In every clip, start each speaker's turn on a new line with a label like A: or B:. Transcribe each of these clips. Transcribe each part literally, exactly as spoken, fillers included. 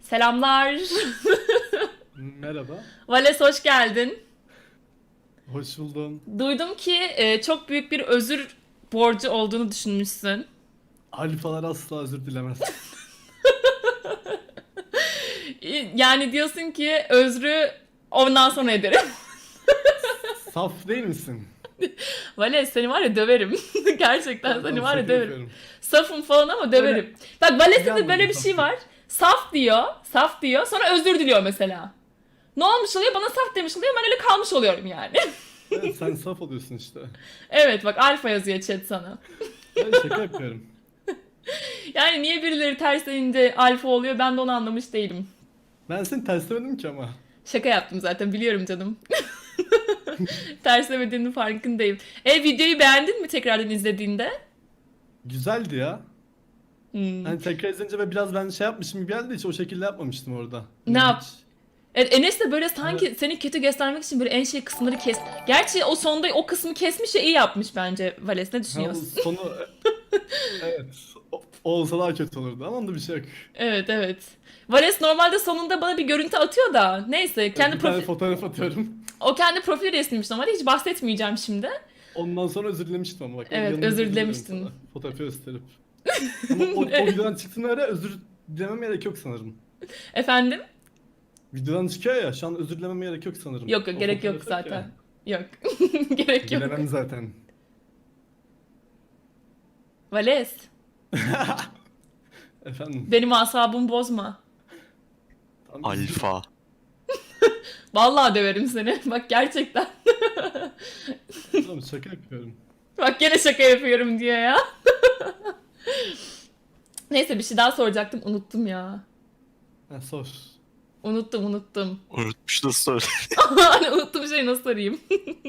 A: Selamlar.
B: Merhaba.
A: Vales hoş geldin.
B: Hoş buldum.
A: Duydum ki e, çok büyük bir özür borcu olduğunu düşünmüşsün.
B: Alfalar asla özür dilemez.
A: E, Yani diyorsun ki özrü ondan sonra ederim.
B: Saf değil misin?
A: Vales seni var ya döverim. Gerçekten
B: Tamam,
A: seni
B: tamam,
A: var ya
B: şaka
A: döverim.
B: yapıyorum.
A: Safım falan ama
B: Öyle
A: döverim. Bak Vales'te
B: bir
A: de
B: anlamda
A: böyle bir
B: saf
A: şey
B: değil.
A: var. Saf diyor, saf diyor. Sonra özür diliyor mesela. Ne olmuş oluyor? Bana saf demiş oluyor. Ben öyle kalmış oluyorum yani.
B: Evet, sen saf oluyorsun işte.
A: Evet bak alfa yazıyor chat sana.
B: Ben şaka yapıyorum.
A: Yani niye birileri terslenince alfa oluyor ben de onu anlamış değilim.
B: Ben seni terslemedim ki ama.
A: Şaka yaptım zaten biliyorum canım. Terslemediğinin farkındayım. E videoyu beğendin mi tekrardan izlediğinde?
B: Güzeldi ya.
A: Hmm.
B: Hani tekrar izleyince ve biraz ben şey yapmışım gibi geldi, hiç o şekilde yapmamıştım orada.
A: Ne
B: Hani
A: yap?
B: hiç.
A: Evet, Enes de böyle
B: Evet.
A: sanki seni kötü göstermek için böyle en şey kısımları kes. Gerçi o sonda o kısmı kesmiş ya iyi yapmış bence Vales. Ne
B: Ha, o
A: düşünüyorsun?
B: sonu evet. O, o olsa daha kötü olurdu ama onda bir şey yok.
A: Evet evet. Vales normalde sonunda bana bir görüntü atıyor da neyse
B: Evet,
A: kendi
B: bir tane
A: profil
B: fotoğraf atıyorum.
A: o kendi profil resmiymiş normalde hiç bahsetmeyeceğim şimdi.
B: Ondan sonra özür dilemiştim ama bak.
A: Evet
B: Yanında
A: özür
B: özür dilerim
A: dilemiştin.
B: sana. Fotoğrafı gösterip. Ama o, o videodan çıktığına göre özür dilemem gerek yok sanırım.
A: Efendim?
B: Videodan çıkıyor ya, şu an özür dilemem gerek yok sanırım.
A: Yok yok
B: O
A: gerek yok
B: fotoğraf yok ya.
A: zaten. Yok. Gerek yok.
B: Dilemem zaten.
A: Vales,
B: Efendim.
A: benim asabımı bozma.
B: Tam üzgün.
C: Alfa.
A: Vallahi döverim seni. Bak gerçekten.
B: Tamam, şaka yapıyorum.
A: Bak gene şaka yapıyorum diyor ya. Neyse bir şey daha soracaktım. Unuttum ya.
B: Ha, sor.
A: Unuttum unuttum.
C: Unutmuş da söyle.
A: Hani unuttum şeyi nasıl arayayım?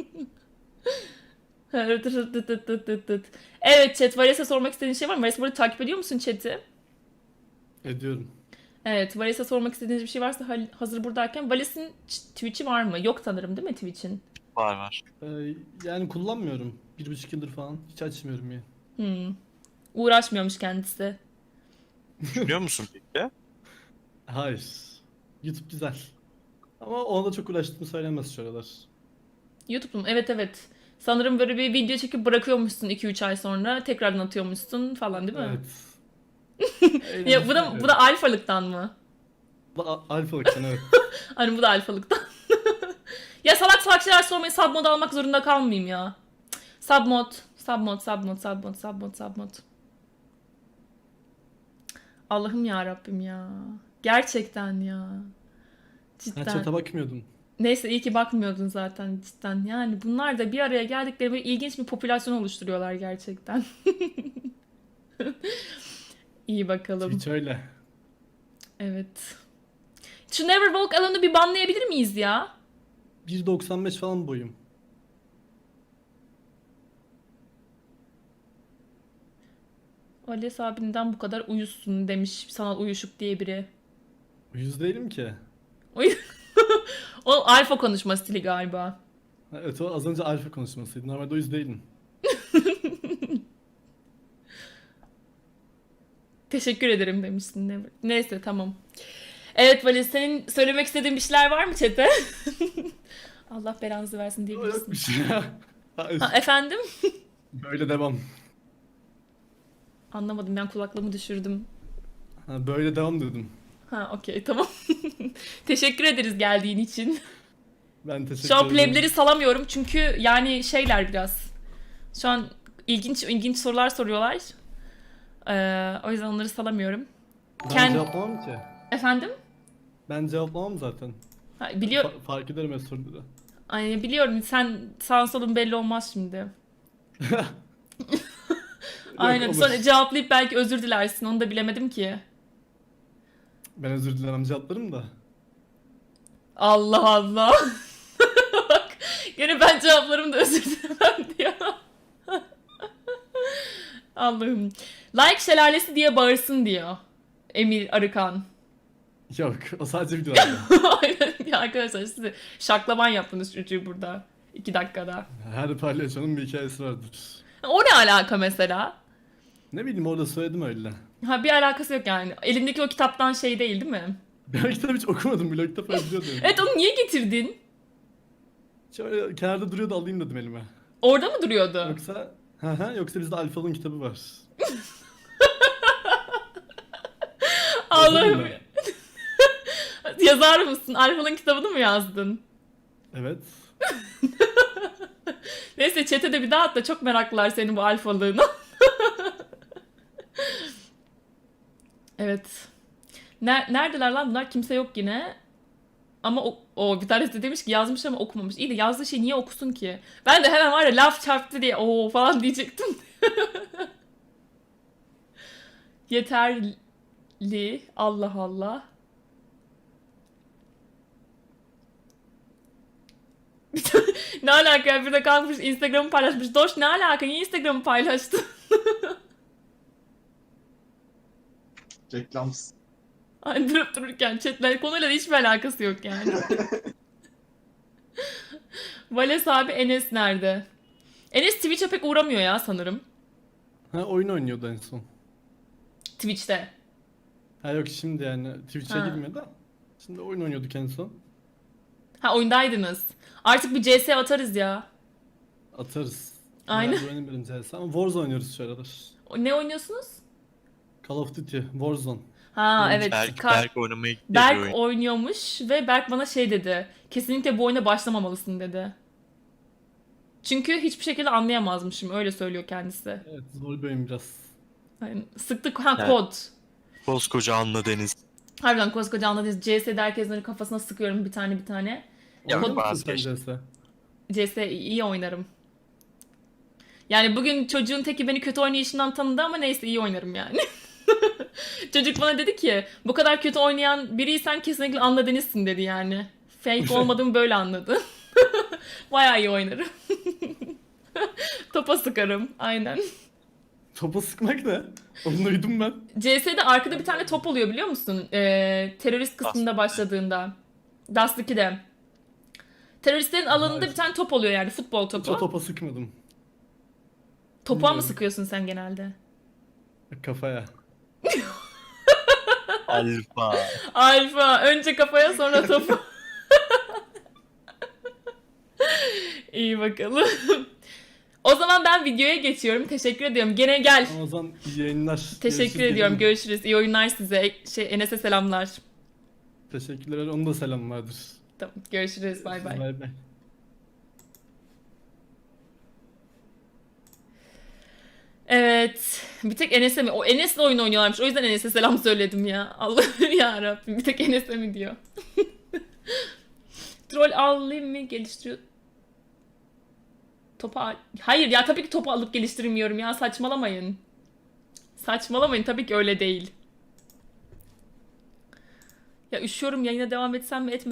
A: Evet chat Vales'e sormak istediğin şey var mı? Vales burada takip ediyor musun chat'i?
B: Ediyorum.
A: Evet Vales'e sormak istediğiniz bir şey varsa hal- hazır buradayken. Vales'in ç- Twitch'i var mı? Yok sanırım değil mi Twitch'in?
C: Var var.
B: Ee, yani kullanmıyorum. Bir buçuk yıldır falan. Hiç açmıyorum ya.
A: Hmm. Uğraşmıyormuş kendisi.
C: Düşünüyor musun peki?
B: Hayır. YouTube güzel. Ama ona da çok uğraştığımı söylemez şu aralar.
A: YouTube'um evet evet. Sanırım böyle bir video çekip bırakıyormuşsun iki üç ay sonra tekrardan atıyormuşsun falan değil mi?
B: Evet.
A: Ya bu
B: Eğlenceli,
A: da bu
B: evet.
A: da alfalıktan mı?
B: Bu da a- alfalıktan, evet.
A: Hani bu da alfalıktan. Ya salak salak şeyler sormayı submod almak zorunda kalmayayım ya. Submod, submod, submod, submod, submod, submod. Allah'ım ya Rabbim ya. Gerçekten ya.
B: Ha,
A: Cidden.
B: chat'e bakmıyordum.
A: Neyse iyi ki bakmıyordun zaten cidden. Yani bunlar da bir araya geldikleri böyle ilginç bir popülasyon oluşturuyorlar gerçekten. İyi bakalım.
B: Hiç öyle.
A: Evet. Şu Never Walk Alone'u bir banlayabilir miyiz ya?
B: bir doksan beş falan boyum.
A: Vales abinden bu kadar uyusun demiş sanal uyuşuk diye biri.
B: Yüz değilim ki.
A: Uy o alfa konuşma stili galiba.
B: Ha, evet, o az önce alfa konuşmasıydı. Normalde o yüz değilim.
A: Teşekkür ederim demişsin. Never. Neyse tamam. Evet Vales senin söylemek istediğin bir şeyler var mı chat'e? Allah belanızı versin
B: O
A: diyebilirsin.
B: yok bir şey ya. Hayır.
A: Ha, efendim?
B: Böyle devam.
A: Anlamadım ben kulaklığımı düşürdüm.
B: Ha, böyle devam dedim.
A: Ha okey tamam. Teşekkür ederiz geldiğin için.
B: Ben teşekkür
A: Şu an
B: ederim.
A: plebleri salamıyorum çünkü yani şeyler biraz. Şu an ilginç ilginç sorular soruyorlar. Ee, o yüzden onları salamıyorum.
B: Ben
A: Kend-
B: cevaplamam ki.
A: Efendim?
B: Ben cevaplamam zaten.
A: Ha, biliyor
B: Fa- fark ederim hep soruları.
A: Ay, biliyorum sen sağın solun belli olmaz şimdi. Aynen
B: olur.
A: sonra cevaplayıp belki özür dilersin onu da bilemedim ki.
B: Ben özür dilemem, cevaplarım da.
A: Allah Allah. Bak gene ben cevaplarım da özür dilemem diyor. Allah'ım. Like şelalesi diye bağırsın diyor. Emir Arıkan.
B: Yok, o sadece videolarda.
A: Aynen ya arkadaşlar size şaklaban yaptınız çocuğu burada. iki dakikada.
B: Her palyaçonun bir hikayesi vardır.
A: O ne alaka mesela?
B: Ne bileyim, orada söyledim öyle.
A: Ha bir alakası yok yani. Elindeki o kitaptan şey değil değil mi?
B: Ben o kitabı hiç okumadım. Blog kitap biliyordum.
A: Evet, onu niye getirdin?
B: Şöyle kenarda duruyordu, alayım dedim elime.
A: Orada mı duruyordu?
B: Yoksa hı hı, yoksa bizde Alfal'ın kitabı var.
A: Allah'ım.
B: Yazarım ben.
A: Yazar mısın? Alfa'nın kitabını mı yazdın?
B: Evet.
A: Neyse, chat'e de bir daha at da çok meraklılar senin bu alfalığına. Evet. Ner- neredeler lan bunlar? Kimse yok yine. Ama o, o bir tanesi de demiş ki yazmış ama okumamış. İyi de yazdığı şey niye okusun ki? Ben de hemen var ya laf çarptı diye o falan diyecektim. Yeterli. Allah Allah. Ne alaka ya? Bir de kalkmış Instagram'ı paylaşmış. Doş, ne alaka? Niye Instagram'ı paylaştın?
D: Reklam.
A: Ay, durup dururken chatler konuyla da hiçbir alakası yok yani. Vales abi, Enes nerede? Enes Twitch'e pek uğramıyor ya sanırım.
B: Ha, oyun oynuyordu en son.
A: Twitch'te.
B: Ha yok, şimdi yani Twitch'e
A: Ha.
B: girmiyor da. Şimdi oyun oynuyorduk en son.
A: Ha, oyundaydınız. Artık bir C S atarız ya.
B: Atarız.
A: Aynen.
B: Bayağı oynamıyorum C S ama Warzone oynuyoruz şu aralar.
A: O- Ne oynuyorsunuz?
B: Call of Duty, Warzone.
A: Ha
B: Evet,
A: evet.
C: Berk,
A: Ka-
C: Berk oynamaya gitti
A: Berk
C: bir oyun.
A: oynuyormuş ve Berk bana şey dedi. Kesinlikle bu oyuna başlamamalısın dedi. Çünkü hiçbir şekilde anlayamazmışım. Öyle söylüyor kendisi.
B: Evet, zor bir oyun biraz.
A: Yani sıktık ha,
C: Evet.
A: kod.
C: Koskoca Anla Deniz.
A: Harbiden koskoca anladınız. C S'de herkesin kafasına sıkıyorum bir tane bir tane.
C: Ya
B: Oynuyor musun
C: vazgeç.
B: sen C S?
A: C S iyi oynarım. Yani bugün çocuğun teki beni kötü oynayışından tanıdı ama neyse, iyi oynarım yani. Çocuk bana dedi ki bu kadar kötü oynayan biriysen kesinlikle Anla Deniz'sin dedi yani. Fake olmadığımı böyle anladı. Bayağı iyi oynarım. Topa sıkarım aynen.
B: Topa sıkmak ne? Onu duydum ben.
A: C S'de arkada bir tane top oluyor biliyor musun? Ee, terörist kısmında başladığında. Dust ikide. Teröristlerin alanında
B: Hayır.
A: bir tane top oluyor yani, futbol
B: Hiç o
A: topu.
B: topa sıkmadım.
A: Topuğa mı
B: Bilmiyorum.
A: sıkıyorsun sen genelde?
B: Kafaya.
C: Alfa.
A: Alfa. Önce kafaya sonra topu. İyi bakalım. O zaman ben videoya geçiyorum. Teşekkür ediyorum. Gene gel.
B: O zaman iyi yayınlar.
A: Teşekkür
B: Görüşürüz,
A: ediyorum.
B: gelin.
A: Görüşürüz. İyi oyunlar size. Şey, Enes'e selamlar.
B: Teşekkürler. Onun da selam vardır.
A: Tamam. Görüşürüz. Bay bay.
B: Bay bay.
A: Evet. Bir tek Enes'e mi? O Enes'le oyun oynuyorlarmış. O yüzden Enes'e selam söyledim ya. Allah'ım ya Rabbim. Bir tek Enes'e mi diyor. Troll alayım mı? Geliştiriyor. Topa al- Hayır ya, tabii ki topu alıp geliştirmiyorum ya. Saçmalamayın. Saçmalamayın. Tabii ki öyle değil. Ya üşüyorum, yayına devam etsem mi etmesem